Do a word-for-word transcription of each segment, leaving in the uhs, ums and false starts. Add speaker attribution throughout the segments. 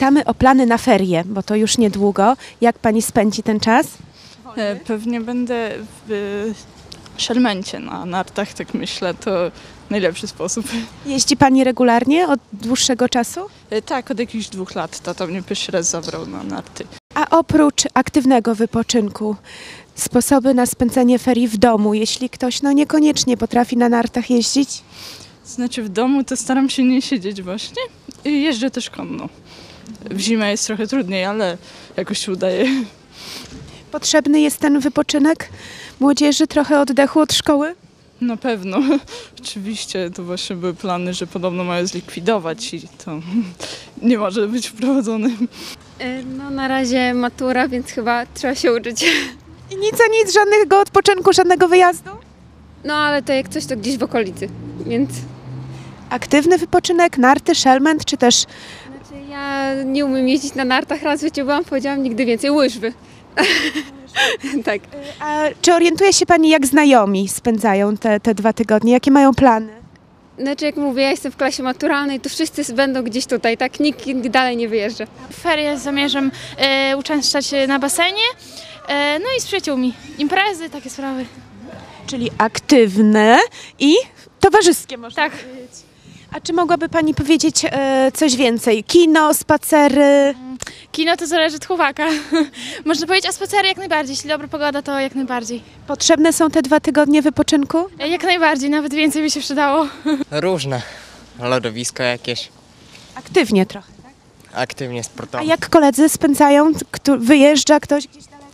Speaker 1: Pytamy o plany na ferie, bo to już niedługo. Jak pani spędzi ten czas?
Speaker 2: E, Pewnie będę w Szelmencie na nartach, tak myślę, to najlepszy sposób.
Speaker 1: Jeździ pani regularnie od dłuższego czasu?
Speaker 2: E, Tak, od jakichś dwóch lat tata mnie pierwszy raz zabrał na narty.
Speaker 1: A oprócz aktywnego wypoczynku, sposoby na spędzenie ferii w domu, jeśli ktoś no niekoniecznie potrafi na nartach jeździć?
Speaker 2: Znaczy w domu to staram się nie siedzieć właśnie i jeżdżę też konno. W zimę jest trochę trudniej, ale jakoś się udaje.
Speaker 1: Potrzebny jest ten wypoczynek młodzieży, trochę oddechu od szkoły?
Speaker 2: Na pewno. Oczywiście to właśnie były plany, że podobno mają zlikwidować i to nie może być wprowadzone.
Speaker 3: E, No na razie matura, więc chyba trzeba się uczyć.
Speaker 1: I nic a nic, żadnego odpoczynku, żadnego wyjazdu?
Speaker 3: No ale to jak coś, to gdzieś w okolicy, więc...
Speaker 1: Aktywny wypoczynek, narty, szelment, czy też
Speaker 3: Znaczy ja nie umiem jeździć na nartach, raz w życiu byłam, powiedziałam nigdy więcej, łyżwy. Tak.
Speaker 1: a czy orientuje się pani, jak znajomi spędzają te, te dwa tygodnie? Jakie mają plany?
Speaker 3: Znaczy jak mówię, ja jestem w klasie maturalnej, to wszyscy będą gdzieś tutaj, tak? Nikt nikt dalej nie wyjeżdża.
Speaker 4: W ferie zamierzam e, uczęszczać na basenie, e, no i z przyjaciółmi. Imprezy, takie sprawy.
Speaker 1: Czyli aktywne i towarzyskie, można
Speaker 4: Tak.
Speaker 1: powiedzieć. A czy mogłaby pani powiedzieć e, coś więcej? Kino, spacery?
Speaker 4: Kino to zależy od chłopaka. Można powiedzieć, a spacery jak najbardziej. Jeśli dobra pogoda, to jak najbardziej.
Speaker 1: Potrzebne są te dwa tygodnie wypoczynku?
Speaker 4: E, jak najbardziej, nawet więcej by się przydało.
Speaker 5: Różne. Lodowisko jakieś,
Speaker 1: Aktywnie trochę.
Speaker 5: aktywnie
Speaker 1: A
Speaker 5: sportowo.
Speaker 1: jak koledzy spędzają? Kto, wyjeżdża ktoś gdzieś daleko?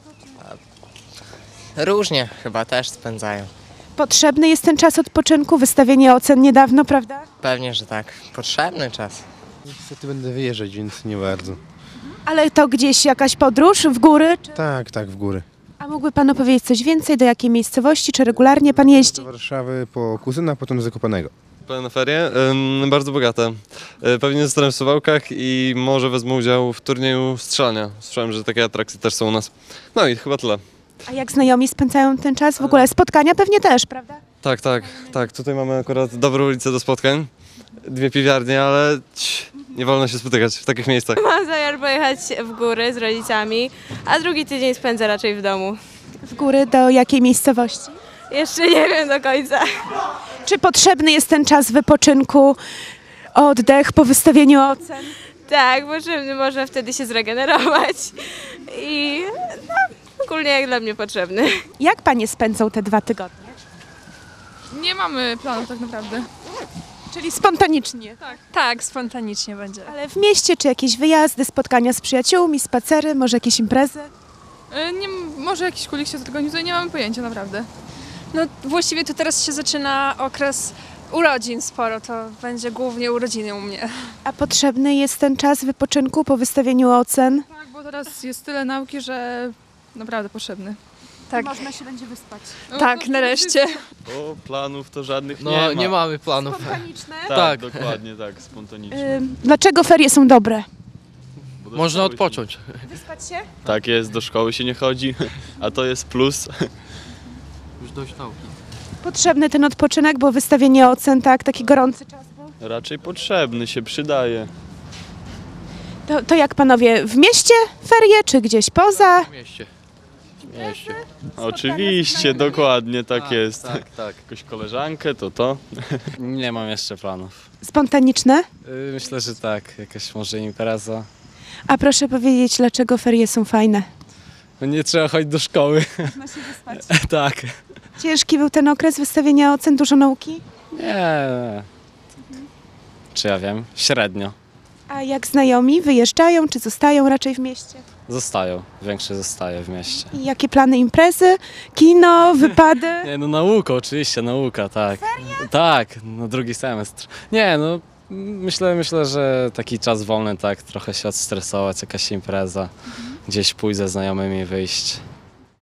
Speaker 5: Różnie chyba też spędzają.
Speaker 1: Potrzebny jest ten czas odpoczynku, wystawienie ocen niedawno, prawda?
Speaker 5: Pewnie, że tak. Potrzebny czas.
Speaker 6: Niestety będę wyjeżdżać, więc nie bardzo.
Speaker 1: Ale to gdzieś jakaś podróż w góry? Czy...
Speaker 6: Tak, tak, w góry.
Speaker 1: A mógłby pan opowiedzieć coś więcej? Do jakiej miejscowości? Czy regularnie pan jeździ?
Speaker 6: Do Warszawy po kuzyna, potem do Zakopanego.
Speaker 7: Plany na ferie? Ym, bardzo bogate. Y, Pewnie zostanę w Suwałkach i może wezmę udział w turnieju strzelania. Słyszałem, że takie atrakcje też są u nas. No i chyba tyle.
Speaker 1: A jak znajomi spędzają ten czas? W ogóle spotkania pewnie też, prawda?
Speaker 7: Tak, tak, tak. Tutaj mamy akurat dobrą ulicę do spotkań. Dwie piwiarnie, ale ci, nie wolno się spotykać w takich miejscach.
Speaker 8: Mam zamiar pojechać w góry z rodzicami, a drugi tydzień spędzę raczej w domu.
Speaker 1: W góry do jakiej miejscowości?
Speaker 8: Jeszcze nie wiem do końca.
Speaker 1: Czy potrzebny jest ten czas wypoczynku, oddech po wystawieniu ocen?
Speaker 8: Tak, potrzebny, można wtedy się zregenerować i no, ogólnie jak dla mnie potrzebny.
Speaker 1: Jak panie spędzą te dwa tygodnie?
Speaker 2: Nie mamy planów tak naprawdę.
Speaker 1: Czyli spontanicznie.
Speaker 9: Tak, spontanicznie będzie.
Speaker 1: Ale w mieście czy jakieś wyjazdy, spotkania z przyjaciółmi, spacery, może jakieś imprezy?
Speaker 2: Nie, może jakiś kulik się zorganizuje, nie mamy pojęcia naprawdę.
Speaker 9: No właściwie tu teraz się zaczyna okres urodzin sporo, to będzie głównie urodziny u mnie.
Speaker 1: A potrzebny jest ten czas wypoczynku po wystawieniu ocen?
Speaker 2: Tak, bo teraz jest tyle nauki, że naprawdę potrzebny.
Speaker 9: Tak,
Speaker 1: Można się będzie wyspać.
Speaker 9: tak, nareszcie.
Speaker 10: O, planów to żadnych
Speaker 11: No
Speaker 10: nie ma.
Speaker 11: nie mamy planów.
Speaker 1: Spontaniczne?
Speaker 10: Tak,
Speaker 11: Tak.
Speaker 10: dokładnie tak, spontanicznie.
Speaker 1: Ym, dlaczego ferie są dobre?
Speaker 10: Bo do
Speaker 11: Można
Speaker 10: szkoły się-
Speaker 11: odpocząć.
Speaker 1: Wyspać się?
Speaker 10: Tak jest, do szkoły się nie chodzi, a to jest plus.
Speaker 11: Już dość nauki.
Speaker 1: Potrzebny ten odpoczynek, bo wystawienie ocen, tak, taki gorący czas był.
Speaker 10: Raczej potrzebny, się przydaje.
Speaker 1: To, to jak panowie, w mieście ferie, czy gdzieś poza?
Speaker 11: W mieście. W mieście.
Speaker 10: Oczywiście, dokładnie tak
Speaker 11: Tak,
Speaker 10: jest.
Speaker 11: Tak, tak.
Speaker 10: Jakąś koleżankę, to to.
Speaker 12: Nie mam jeszcze planów.
Speaker 1: Spontaniczne?
Speaker 12: Yy, Myślę, że tak. Jakaś może impreza.
Speaker 1: A proszę powiedzieć, dlaczego ferie są fajne?
Speaker 12: No nie trzeba chodzić do szkoły.
Speaker 1: Można się wyspać.
Speaker 12: Tak.
Speaker 1: Ciężki był ten okres wystawienia ocen, dużo nauki?
Speaker 12: Nie. Czy ja wiem? Średnio.
Speaker 1: A jak znajomi wyjeżdżają, czy zostają raczej w mieście?
Speaker 12: Zostają. Większość zostaje w mieście.
Speaker 1: I jakie plany imprezy? Kino, wypady?
Speaker 12: Nie, no nauka, oczywiście, nauka, tak. Tak, no drugi semestr. Nie, no myślę, myślę, że taki czas wolny, tak, trochę się odstresować, jakaś impreza, gdzieś pójść ze znajomymi, wyjść.